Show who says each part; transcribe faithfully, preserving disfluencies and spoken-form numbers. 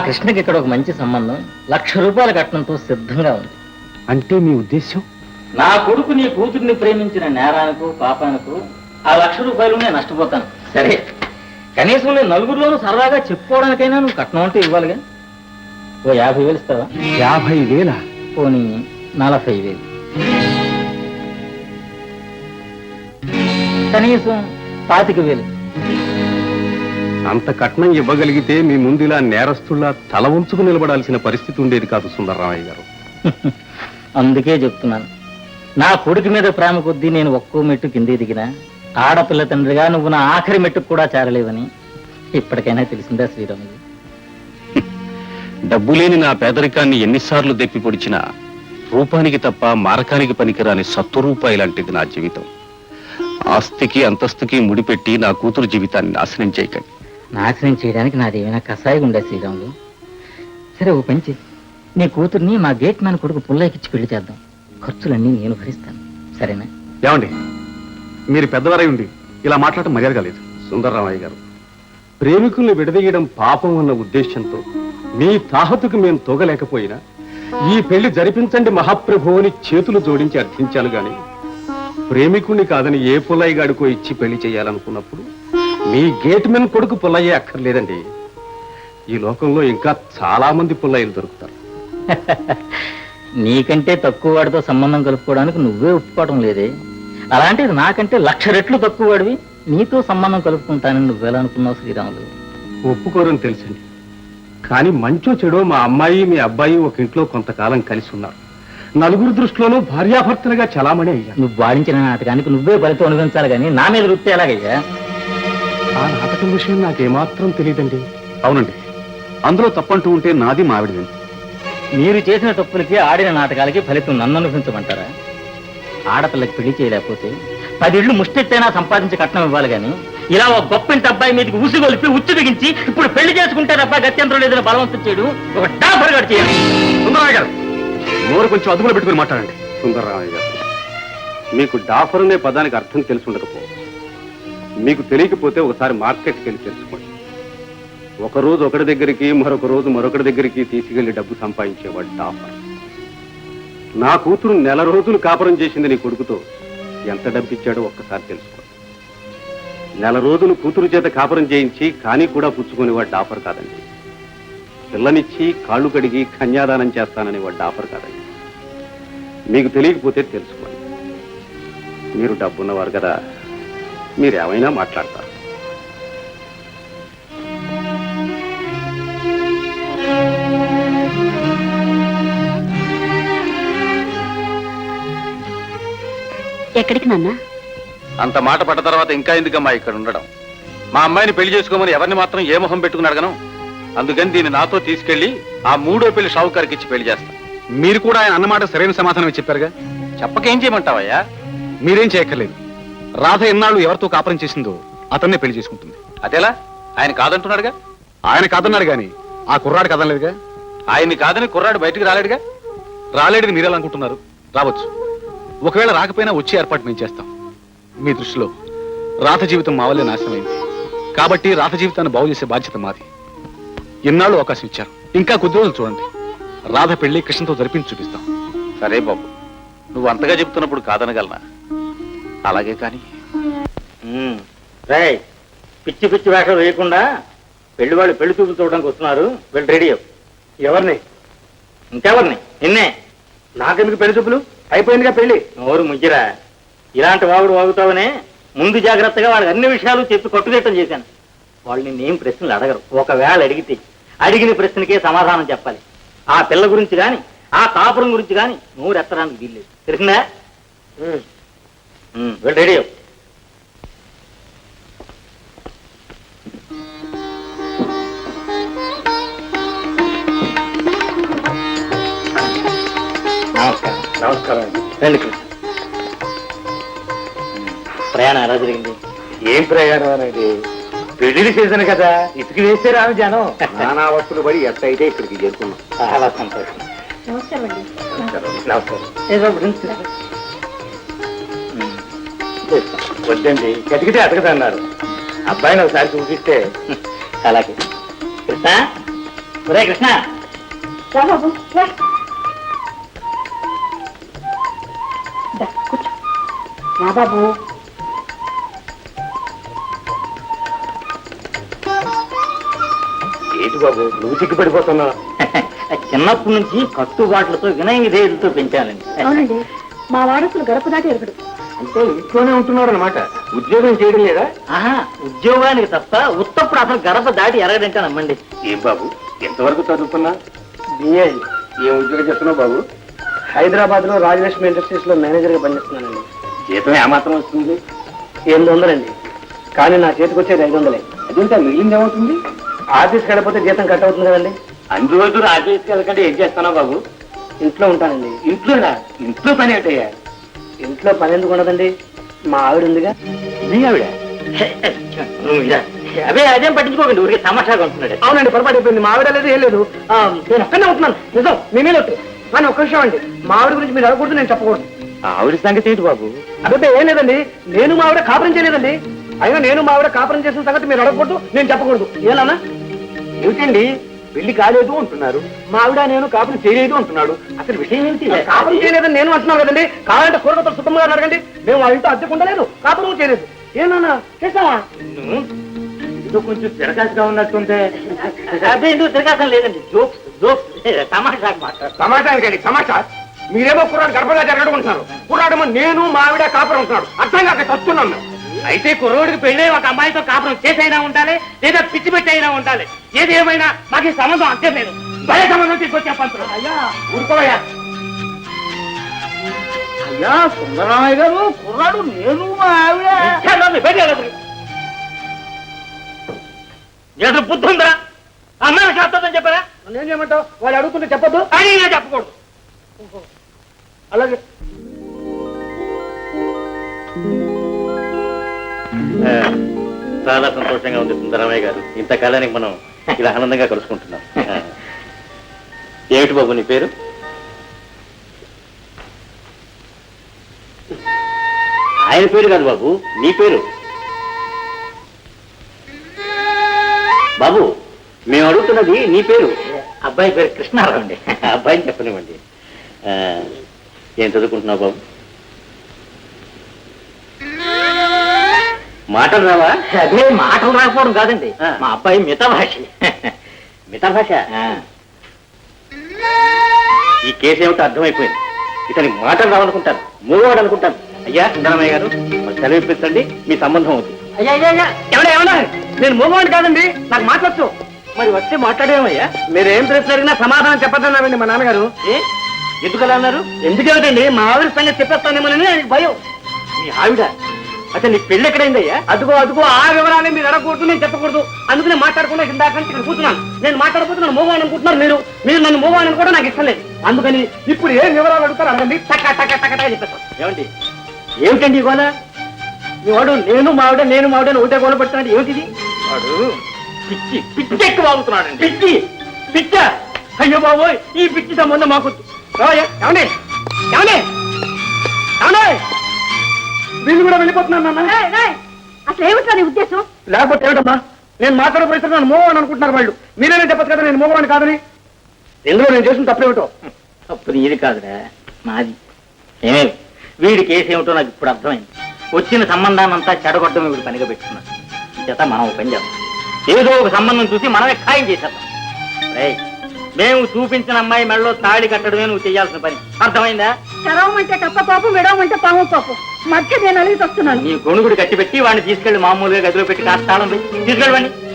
Speaker 1: కృష్ణకి ఇక్కడ ఒక మంచి సంబంధం లక్ష రూపాయల కట్నంతో సిద్ధంగా ఉంది.
Speaker 2: అంటే మీ ఉద్దేశం?
Speaker 1: నా కొడుకు నీ కూతుర్ని ప్రేమించిన నేరానికో పాపానికో ఆ లక్ష రూపాయలు నేను నష్టపోతాను. సరే, కనీసం నేను నలుగురిలోనూ సరదాగా చెప్పుకోవడానికైనా నువ్వు కట్నం అంటే ఇవ్వాలిగా. ఓ యాభై వేలు ఇస్తావా?
Speaker 2: యాభై వేల
Speaker 1: పోనీ నలభై వేలు, కనీసం పాతిక వేలు.
Speaker 2: అంత కట్నం ఇవ్వగలిగితే మీ ముందు ఇలా నేరస్తుల్లా తల ఉంచుకు నిలబడాల్సిన పరిస్థితి ఉండేది కాదు సుందరరామయ్య గారు.
Speaker 1: అందుకే చెప్తున్నాను, నా కొడుకు మీద ప్రేమ కొద్దీ నేను ఒక్కో మెట్టు కిందే దిగినా ఆడపిల్ల తండ్రిగా నువ్వు నా ఆఖరి మెట్టుకు కూడా చేరలేవని ఇప్పటికైనా తెలిసిందా శ్రీరాములు?
Speaker 2: డబ్బు లేని నా పేదరికాన్ని ఎన్నిసార్లు దెప్పి పొడిచినా రూపానికి తప్ప మారకానికి పనికిరాని సత్తు రూపాయి లాంటిది నా జీవితం. ఆస్తికి అంతస్తుకి ముడిపెట్టి నా కూతురు జీవితాన్ని నాశనం చేయకండి.
Speaker 1: నాశనం చేయడానికి నాదేమైనా కషాయం ఉండే శ్రీరాములు? సరే, ఓ పంచి, నీ కూతుర్ని మా గేట్ మ్యాన్ కొడుకు పుల్లయ్యకిచ్చి పెళ్లి చేద్దాం. ఖర్చులన్నీ నేను భరిస్తాను, సరేనా?
Speaker 2: ఏమండి, మీరు పెద్దవారై ఉండి ఇలా మాట్లాడటం మర్యాదగా లేదు. సుందరరామయ్య గారు, ప్రేమికుల్ని విడదీయడం పాపం అన్న ఉద్దేశంతో మీ తాహతుకు మేము తోగలేకపోయినా ఈ పెళ్లి జరిపించండి మహాప్రభు అని చేతులు జోడించి అర్థించాను గాని ప్రేమికుణ్ణి కాదని ఏ పుల్లయ్య గాడికో ఇచ్చి పెళ్లి చేయాలనుకున్నప్పుడు మీ గేట్ మెన్ కొడుకు పుల్లయ్యే అక్కర్లేదండి. ఈ లోకంలో ఇంకా చాలా మంది పుల్లయ్యలు దొరుకుతారు.
Speaker 1: నీకంటే తక్కువ వాడితో సంబంధం కలుపుకోవడానికి నువ్వే ఒప్పుకోవడం లేదే, అలాంటిది నాకంటే లక్ష రెట్లు తక్కువ వాడివి నీతో సంబంధం కలుపుకుంటానని నువ్వెలా అనుకున్నావు శ్రీరాములు?
Speaker 2: ఒప్పుకోరని తెలుసండి, కానీ మంచో చెడో మా అమ్మాయి మీ అబ్బాయి ఒక ఇంట్లో కొంతకాలం కలిసి ఉన్నారు. నలుగురు దృష్టిలోనూ భార్యాభర్తలుగా చలామణి అయ్యా.
Speaker 1: నువ్వు వాడించిన నాటకానికి నువ్వే ఫలితం అనుభవించాలి కానీ నా మీద వృత్తి ఎలాగయ్యా?
Speaker 2: ఆ నాటకం విషయం నాకేమాత్రం తెలియదండి. అవునండి, అందులో తప్పంటూ ఉంటే నాది మావిడిది.
Speaker 1: మీరు చేసిన తప్పులకి ఆడిన నాటకాలకి ఫలితం నన్ను అనుభవించమంటారా? ఆడపిల్లకి పెళ్లి చేయలేకపోతే పదిళ్ళు ముష్టెత్తైనా సంపాదించి కట్నం ఇవ్వాలి కానీ ఇలా ఒక గొప్ప ఇంటి అబ్బాయి మీదకి ఉసిగొలిపి ఉచ్చు బిగించి ఇప్పుడు పెళ్లి చేసుకుంటే అబ్బాయి గత్యంతరం లేదని బలవంతం చేయడం ఒక డాఫర్ గారు చేయాలి.
Speaker 2: సుందరరామయ్య గారు, నోరు కొంచెం అదుపులో పెట్టుకుని మాట్లాడండి. సుందరరామయ్య గారు, మీకు డాఫర్ అనే పదానికి అర్థం తెలిసి ఉండకపోవచ్చు. మీకు తెలియకపోతే ఒకసారి మార్కెట్కి వెళ్ళి తెలుసుకోండి. ఒక రోజు ఒకటి దగ్గరికి మరొక రోజు మరొకటి దగ్గరికి తీసుకెళ్లి డబ్బు సంపాదించేవాడు డాఫర్. నా కూతురు నెల రోజులు కాపురం చేసింది నీ కొడుకుతో ఎంత డబ్బు ఇచ్చాడో ఒక్కసారి తెలుసుకోండి. నెల రోజులు కూతురు చేత కాపురం చేయించి కానీ కూడా పుచ్చుకునేవాడు డాఫర్ కాదండి. పిల్లనిచ్చి కాళ్ళు కడిగి కన్యాదానం చేస్తానని వాడు డాఫర్ కాదండి. మీకు తెలియకపోతే తెలుసుకోండి. మీరు డబ్బున్నవారు కదా, మీరేమైనా మాట్లాడతారు.
Speaker 3: ఎక్కడికి నాన్న?
Speaker 2: అంత మాట పడ్డ తర్వాత ఇంకా ఎందుకమ్మా ఇక్కడ ఉండడం? మా అమ్మాయిని పెళ్లి చేసుకోమని ఎవరిని మాత్రం ఏ మొహం పెట్టుకుని అడగను. అందుకని దీన్ని నాతో తీసుకెళ్లి ఆ మూడో పెళ్లి షావుకారికి ఇచ్చి పెళ్లి చేస్తాం. మీరు కూడా ఆయన అన్నమాట సరైన సమాధానం చెప్పారుగా, చెప్పకేం చేయమంటావయ్యా? మీరేం చేయక్కర్లేదు. రాధ ఎన్నాళ్ళు ఎవరితో కాపురం చేసిందో అతన్నే పెళ్లి చేసుకుంటుంది. అదేలా? ఆయన కాదంటున్నాడుగా. ఆయన కాదన్నాడు గాని ఆ కుర్రాడు కదనలేదుగా. ఆయన్ని కాదని కుర్రాడు బయటికి రాలేడుగా. రాలేడిని మీరెలా అనుకుంటున్నారు? రావచ్చు. ఒకవేళ రాకపోయినా వచ్చే ఏర్పాటు మేము చేస్తాం. మీ దృష్టిలో రాధ జీవితం మా వల్లే నాశనమైంది కాబట్టి రాధ జీవితాన్ని బాగు చేసే బాధ్యత మాది. ఎన్నాళ్ళు అవకాశం ఇచ్చారు, ఇంకా కొద్ది రోజులు చూడండి. రాధ పెళ్లి కృష్ణతో జరిపించి చూపిస్తాం. సరే బాబు, నువ్వు అంతగా చెప్తున్నప్పుడు కాదనగలనా? అలాగే కానీ
Speaker 1: రేయ్, పిచ్చి పిచ్చి వేషాలు వేయకుండా పెళ్లి వాళ్ళు పెళ్లి చూపులు చూడడానికి వస్తున్నారు. వెళ్ళి రెడీ అవ్వు. ఎవరిని? ఇంకెవరిని? నిన్నే.
Speaker 2: నాకెందుకు పెళ్లి చూపులు? అయిపోయిందిగా పెళ్లి.
Speaker 1: నోరు ముగ్గిరా, ఇలాంటి వాగుడు వాగుతావనే ముందు జాగ్రత్తగా వాళ్ళకి అన్ని విషయాలు చెప్పి కట్టుదిట్టం చేశాను. వాళ్ళు నిన్నేం ప్రశ్నలు అడగరు. ఒకవేళ అడిగితే అడిగిన ప్రశ్నకే సమాధానం చెప్పాలి. ఆ పిల్ల గురించి కానీ ఆ కాపురం గురించి కానీ నోరు ఎత్తడానికి వీల్లేదు. తెలిసిందా? వెళ్ళి రెడీ అవ్వు. నమస్కారం.
Speaker 2: నమస్కారం.
Speaker 1: రండి కృష్ణ. ప్రయాణం ఎలా జరిగింది?
Speaker 2: ఏం ప్రయాణం అనేది? పెళ్లి సీజన్ కదా, ఇసుకు వేస్తే రాము జనం. నానా వస్తువులు పడి ఎట్ట అయితే ఇక్కడికి చేరుకున్నాం.
Speaker 1: చాలా సంతోషం.
Speaker 2: నమస్కారం. వద్దండి, కతికితే అతకదన్నారు. అబ్బాయిని ఒకసారి చూపిస్తే.
Speaker 1: అలాగే. కృష్ణ, ఒరే కృష్ణ,
Speaker 3: రా బాబు రా. దా, కూర్చో. రా బాబు.
Speaker 2: ఏంటి బాబు నువ్వు సిగ్గుపడిపోతున్నా?
Speaker 1: చిన్నప్పటి నుంచి కట్టుబాట్లతో వినయ విధేయులతో పెంచాలండి.
Speaker 3: అవునండి, మా వారసులు గడప దాటి ఎరుగుడు.
Speaker 2: అంటే ఇంట్లోనే ఉంటున్నాడు అనమాట, ఉద్యోగం చేయడం లేదా?
Speaker 1: ఆహా, ఉద్యోగానికి తప్ప ఉత్తప్పుడు అసలు గడప దాటి ఎరగడంటే నమ్మండి.
Speaker 2: ఏం బాబు ఎంతవరకు చదువుతున్నా?
Speaker 4: బిఏ
Speaker 2: ఏం ఉద్యోగం చేస్తున్నావు బాబు?
Speaker 4: హైదరాబాద్ లో రాజలక్ష్మి ఇండస్ట్రీస్ లో మేనేజర్ గా పనిచేస్తున్నానండి.
Speaker 2: జీతం ఏమాత్రం వస్తుంది?
Speaker 4: ఎనిమిది వందలండి, కానీ నా చేతికి వచ్చేది ఐదు వందలే.
Speaker 2: అదేంటే మిగిలింది ఏమవుతుంది?
Speaker 4: ఆఫీస్కి వెళ్ళకపోతే జీతం కట్ అవుతుంది కదండి.
Speaker 2: అన్ని రోజులు ఆఫీస్కి వెళ్ళకంటే ఏం చేస్తున్నావు బాబు?
Speaker 4: ఇంట్లో ఉంటానండి.
Speaker 2: ఇంట్లోనా? ఇంట్లో పని ఏంటయ్యా?
Speaker 4: ఇంట్లో పని ఎందుకు ఉండదండి, మా ఆవిడ ఉందిగా.
Speaker 2: మీ ఆవిడ?
Speaker 1: నువ్వు ఇలా, అవే అదేం పట్టించుకోకండి, ఊరికి తమాషాగా ఉంటున్నాడు.
Speaker 4: అవునండి, పొరపాటు అయిపోయింది. మా ఆవిడ లేదు ఏం లేదు. ఆ, నేను ఒక్కనే ఉంటున్నాను, నిజం, మీ మీద ఒట్టు. కానీ ఒక్క విషయం అండి, మా ఆవిడ గురించి మీరు అడగకూడదు, నేను చెప్పకూడదు.
Speaker 2: ఆవిడ సంగతి ఏంటి బాబు?
Speaker 4: అదే ఏం లేదండి, నేను మా ఆవిడ కాపురం చేయలేదండి. అయినా నేను మా ఆవిడ కాపురం చేసిన సంగతి మీరు అడగకూడదు, నేను చెప్పకూడదు. ఏనా?
Speaker 2: ఏమిటండి పెళ్లి కాలేదు అంటున్నారు, మా ఆవిడ నేను కాపురం చేయలేదు అంటున్నాడు, అసలు విషయం ఏంటి?
Speaker 4: కాపురం చేయలేదని నేను అంటున్నాను కదండి. కావాలంటే కూరగత సుఖంగా అడగండి. మేము వాళ్ళ ఇంట్లో అద్దెకు ఉండలేదు, కాపురం చేయలేదు. ఏమన్నా చేస్తావా?
Speaker 2: ఏదో కొంచెం తిరగాసిగా ఉన్నట్టుంటే.
Speaker 1: అదే ఎందుకు తిరగాసం లేదండి, జోక్స్ జోక్స్ తమాషా మాట.
Speaker 4: సమాచారానికి సమాచారం. మీరేమో కుర్రాడు గర్భంగా జరగడం ఉంటున్నారు, కుర్రాడేమో నేను మా ఆవిడ కాపురం ఉంటున్నాడు. అర్థం కాక చస్తున్నాం మేము.
Speaker 1: అయితే కుర్రోడికి పెళ్ళే ఒక అమ్మాయితో కాపురం చేసైనా ఉండాలి, లేదా పిచ్చి పెట్టి అయినా ఉండాలి. ఏది ఏమైనా మాకు ఈ సంబంధం అంతే లేదు. భలే సంబంధం తీసుకొచ్చా పంతులు.
Speaker 4: అయ్యా ఊరుకోవయ్యా.
Speaker 1: అయ్యా సుందరరామయ్య గారు, కుర్రాడు నేను మా ఆవిడ. ఏదో బుద్ధి ఉందా? అమ్మాయి శాస్త్రం చెప్పారా?
Speaker 4: ఏం చేయమంటావు? వాళ్ళు అడుగుతుంటే చెప్పొద్దు.
Speaker 1: అని నేను చెప్పకూడదు.
Speaker 4: అలాగే
Speaker 2: చాలా సంతోషంగా ఉంది సుందరమయ్య గారు, ఇంతకాలానికి మనం ఇలా ఆనందంగా కలుసుకుంటున్నాం. ఏమిటి బాబు నీ పేరు? ఆయన పేరు కాదు బాబు, నీ పేరు. బాబు మేము అడుగుతున్నది నీ పేరు.
Speaker 1: అబ్బాయి పేరు కృష్ణారావు అండి.
Speaker 2: అబ్బాయిని చెప్పనివ్వండి. ఆ, ఏం చదువుకుంటున్నావు బాబు? మాటలు రావా?
Speaker 1: అదే మాటలు రాకపోవడం కాదండి,
Speaker 2: ఆ.
Speaker 1: మా అబ్బాయి మిత భాష.
Speaker 2: మిగతా భాష? ఈ కేసు ఏమిటో అర్థమైపోయింది. ఇతనికి మాటలు రావనుకుంటాను, మూడవాడు అనుకుంటాను. అయ్యా సుందరమయ్య గారు, మరి సెలవు ఇప్పించండి, మీ సంబంధం అవుతుంది.
Speaker 4: అయ్యా అయ్యా అయ్యా ఎవడా ఏమన్నా? నేను మోగవాడిని కాదండి, నాకు మాట్లాడచ్చు.
Speaker 1: మరి వచ్చి మాట్లాడేమయ్యా?
Speaker 4: మీరు ఏం ప్రశ్న అడిగినా సమాధానం చెప్పద్దన్నారండి మా నాన్నగారు.
Speaker 1: ఏ ఎందుకలా అన్నారు?
Speaker 4: ఎందుకేమిటండి, మా ఆవిడ సంగతి చెప్పేస్తానేమోనని ఆయనకి భయం.
Speaker 1: మీ ఆవిడ అసలు నీ పెళ్ళి ఎక్కడైందయ్యా?
Speaker 4: అదుగో అదుగో ఆ వివరాన్ని మీరు అడగకూడదు, నేను చెప్పకూడదు. అందుకనే మాట్లాడకుండా ఇందాక నుంచి ఇక్కడ కూర్చున్నాను. నేను మాట్లాడకపోతే నన్ను మోగవాణి అనుకుంటున్నారు మీరు. మీరు నన్ను మోగవాణి కూడా నాకు ఇష్టం లేదు. అందుకని ఇప్పుడు ఏం వివరాలు అడుగుతారు అడగండి, టక టక టక టక చెప్పేస్తాను.
Speaker 1: ఏమండి ఏమిటండి గోళ? మీ వాడు నేను మావిడ నేను మావిడ అని ఒకటే గోళ పెడుతున్నాడు. ఏమిటిది? వాడు పిచ్చి పిచ్చి ఎక్కువ అవుతున్నాడు. పిచ్చి పిచ్చ అయ్యో బాబోయ్, ఈ పిచ్చి సంబంధం మాకు
Speaker 4: ఏమండి ఏమండి ఏమండి వీళ్ళు కూడా వెళ్ళిపోతున్నాను నాన్న.
Speaker 3: అసలు ఏమిట్రా నీ ఉద్దేశం?
Speaker 4: లేకపోతే ఏమిటమ్మా, నేను మాట్లాడబోతే నన్ను మోగవాణి అనుకుంటున్నారు వాళ్ళు. మీరేనే చెప్పచ్చు కదా నేను మోగవాణి కాదని. ఎందులో నేను చేసిన తప్పేమిటో.
Speaker 1: అప్పుడు ఇది కాదురా, నాది. ఏమే వీడి కేసు ఏమిటో నాకు ఇప్పుడు అర్థమైంది. వచ్చిన సంబంధాన్నంతా చెడగొట్టడం వీడు పనిగా పెట్టుకున్నాడు. చేత మనం ఒక పని చేద్దాం, ఏదో ఒక సంబంధం చూసి మనమే ఖాయం చేసేద్దాం. రేయ్, మేము చూపించిన అమ్మాయి మెడలో తాళి కట్టడమే నువ్వు చేయాల్సిన పని. అర్థమైందా?
Speaker 3: చరవమంటే కప్ప పాపం, విడవమంటే పాము పాపం. మధ్య నేను అలిగి వస్తున్నాను.
Speaker 1: నీ గొణుగుడు కట్టి పెట్టి వాడిని తీసుకెళ్లి మామూలుగా గదిలో పెట్టి కాస్త తాళం పెట్టి తీసుకెళ్ళండి.